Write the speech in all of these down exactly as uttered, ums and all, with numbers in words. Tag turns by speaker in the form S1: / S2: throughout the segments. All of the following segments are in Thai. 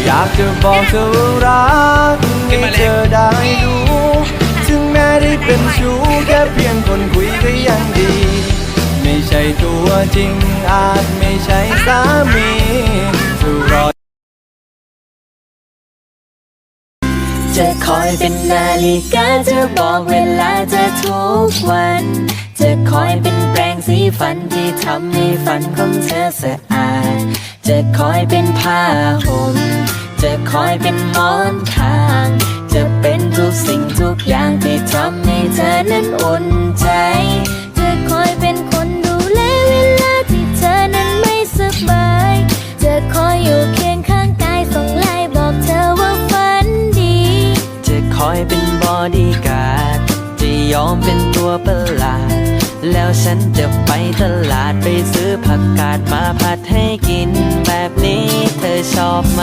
S1: อยากจะบอกเธอว่ารักให้เธอได้รู้ถึงแม้ได้เป็นชู้แค่เพียงคนคุยก็ยังดีไม่ใช่ตัวจริงอาจไม่ใช่สามีจะรอ
S2: จะคอยเป็นนาฬิกาจะบอกเวลาเธอทุกวันจะคอยเป็นแปรงสีฟันที่ทำให้ฟันของเธอสะอาดจะคอยเป็นผ้าห่มจะคอยเป็นหมอนข้างจะเป็นทุกสิ่งทุกอย่างที่ทำให้เธอนั้นอุ่นใจจะคอยเป็นคนดูแลเวลาที่เธอนั้นไม่สบายจะคอยอยู่เคียงข้างกายส่งไลน์บอกเธอว่าฝันดีจะคอยเป็นบอดี้การ์ดจะยอมเป็นตัวประหลาดแล้วฉันจะไปตลาดไปซื้อผักกาดมาผัดให้กินแบบนี้เธอชอบไหม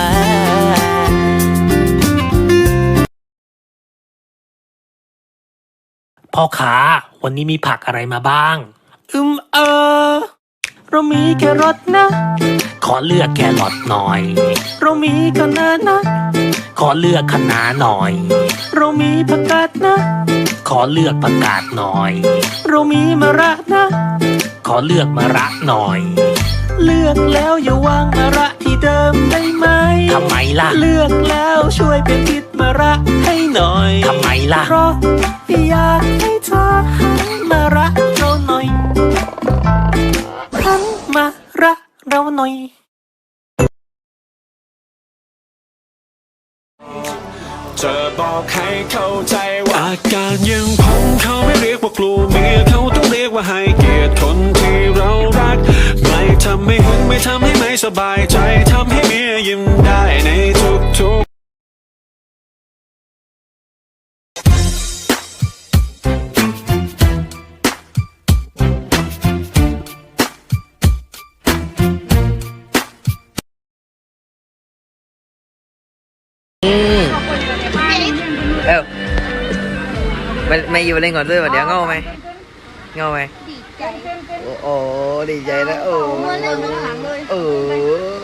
S3: พ่อค้าวันนี้มีผักอะไรมาบ้าง อืมเออเรามีแครอทนะ ขอเลือกแครอทหน่อย เรามีคะน้านะ ขอเลือกคะน้าหน่อย เรามีผักกาดนะ ขอเลือกผักกาดหน่อย เรามีมะระนะ ขอเลือกมะระหน่อย เลือกแล้วอย่าวางมะระที่เดิมได้ไหมทำไมล่ะเลือกแล้วช่วยเป็นทิศมะระให้หน่อยทำไมล่ะเพราะอยากให้เธอหันมารักเราหน่อยหันมารักเราหน่อย
S4: จะบอกให้เข้าใจว่าอาการยังพงเขาไม่เรียกว่ากลัวเมียเขาต้องเรียกว่าให้เกียรติคนที่เรารักไม่ทำให้หึงไม่ทำให้ไม่สบายใจทำให้เมียยิ้มได้ในทุกๆ
S5: เออไม่ไม่อยู่เล่นก่อนด้วยวะเดี๋ยวเงาไหมเงาไหมโอ้โหดีใจนะโอ้โอ้